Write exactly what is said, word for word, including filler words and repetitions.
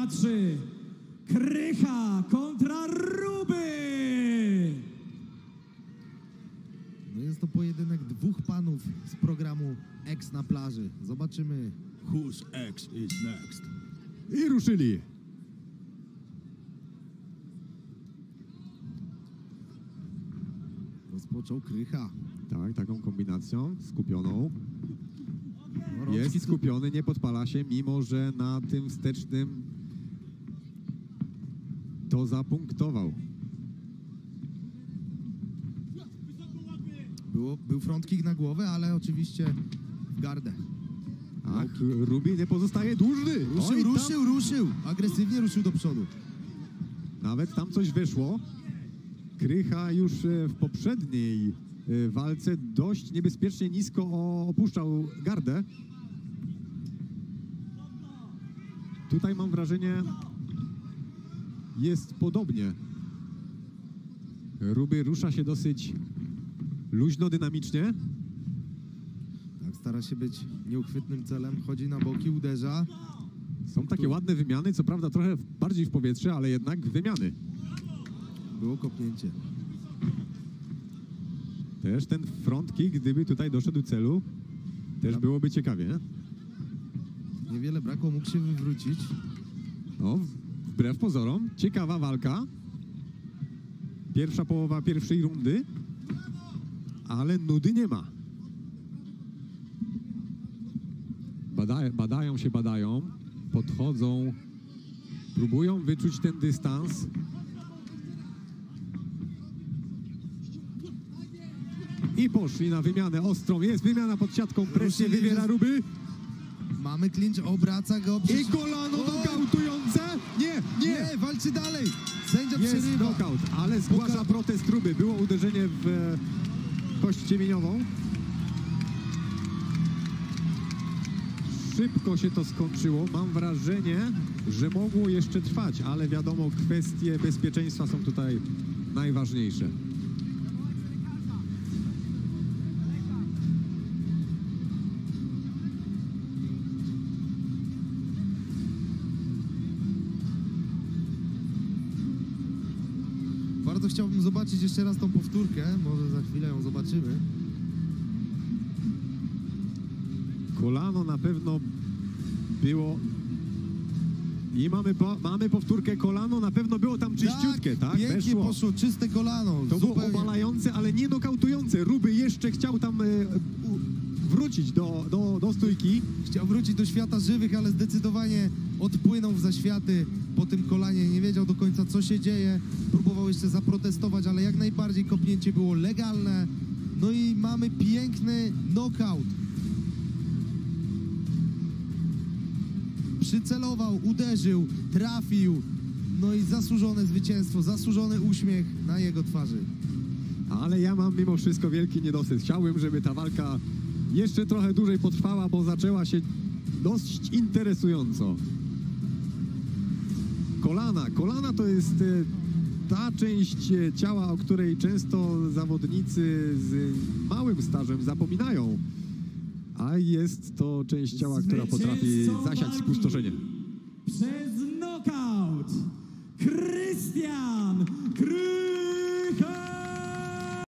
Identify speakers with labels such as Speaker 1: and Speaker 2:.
Speaker 1: trzy. Krycha kontra Ruby.
Speaker 2: No jest to pojedynek dwóch panów z programu X na plaży. Zobaczymy.
Speaker 3: Whose X is next?
Speaker 4: I ruszyli.
Speaker 2: Rozpoczął Krycha.
Speaker 4: Tak, taką kombinacją skupioną.
Speaker 2: No, rączki
Speaker 4: Jest
Speaker 2: tu-
Speaker 4: skupiony, nie podpala się, mimo że na tym wstecznym to zapunktował.
Speaker 2: Było, był front kick na głowę, ale oczywiście w gardę.
Speaker 4: Tak, Ruby nie pozostaje dłużny.
Speaker 2: Ruszył,
Speaker 4: Oj, tam
Speaker 2: ruszył, ruszył. Agresywnie ruszył do przodu.
Speaker 4: Nawet tam coś wyszło. Krycha już e, w poprzedniej e, walce dość niebezpiecznie nisko o- opuszczał gardę. Tutaj mam wrażenie, jest podobnie. Ruby rusza się dosyć luźno, dynamicznie.
Speaker 2: Tak, stara się być nieuchwytnym celem. Chodzi na boki, uderza.
Speaker 4: Są takie ładne wymiany, co prawda trochę bardziej w powietrze, ale jednak wymiany.
Speaker 2: Było kopnięcie.
Speaker 4: Też ten front kick, gdyby tutaj doszedł do celu, też byłoby ciekawie.
Speaker 2: Niewiele brakło, mógł się wywrócić.
Speaker 4: No, wbrew pozorom, ciekawa walka. Pierwsza połowa pierwszej rundy, ale nudy nie ma. Bada, badają się, badają, podchodzą, próbują wyczuć ten dystans. I poszli na wymianę ostrą. Jest wymiana pod siatką, presję
Speaker 2: Ruszyli,
Speaker 4: wywiera
Speaker 2: że-
Speaker 4: Ruby.
Speaker 2: Mamy clinch, obraca go.
Speaker 4: I kolano nokautujące. Nie, nie.
Speaker 2: Nie, walczy dalej. Sędzia
Speaker 4: Jest
Speaker 2: przerywa.
Speaker 4: knockout, ale zgłasza
Speaker 2: Poka-
Speaker 4: protest Ruby. Było uderzenie w e, kość ciemieniową. Szybko się to skończyło. Mam wrażenie, że mogło jeszcze trwać, ale wiadomo, kwestie bezpieczeństwa są tutaj najważniejsze.
Speaker 2: Bardzo chciałbym zobaczyć jeszcze raz tą powtórkę. Może za chwilę ją zobaczymy.
Speaker 4: Kolano na pewno było... I mamy, po, mamy powtórkę, kolano na pewno było tam czyściutkie, tak?
Speaker 2: Pięknie
Speaker 4: Weszło.
Speaker 2: poszło, czyste kolano.
Speaker 4: To było
Speaker 2: zupełnie.
Speaker 4: obalające, ale nie nokautujące. Ruby jeszcze chciał tam e, u, wrócić do, do, do stójki.
Speaker 2: Chciał wrócić do świata żywych, ale zdecydowanie odpłynął w zaświaty po tym kolanie. Nie wiedział do końca, co się dzieje. Próbował jeszcze zaprotestować, ale jak najbardziej kopnięcie było legalne. No i mamy piękny knockout. Przycelował, uderzył, trafił. No i zasłużone zwycięstwo, zasłużony uśmiech na jego twarzy.
Speaker 4: Ale ja mam mimo wszystko wielki niedosyt. Chciałbym, żeby ta walka jeszcze trochę dłużej potrwała, bo zaczęła się dość interesująco. Kolana. Kolana to jest e, ta część e, ciała, o której często zawodnicy z małym stażem zapominają. A jest to część ciała, która potrafi
Speaker 1: Zwycięzcą
Speaker 4: zasiać
Speaker 1: walki
Speaker 4: spustoszenie.
Speaker 1: Przez knockout Krystian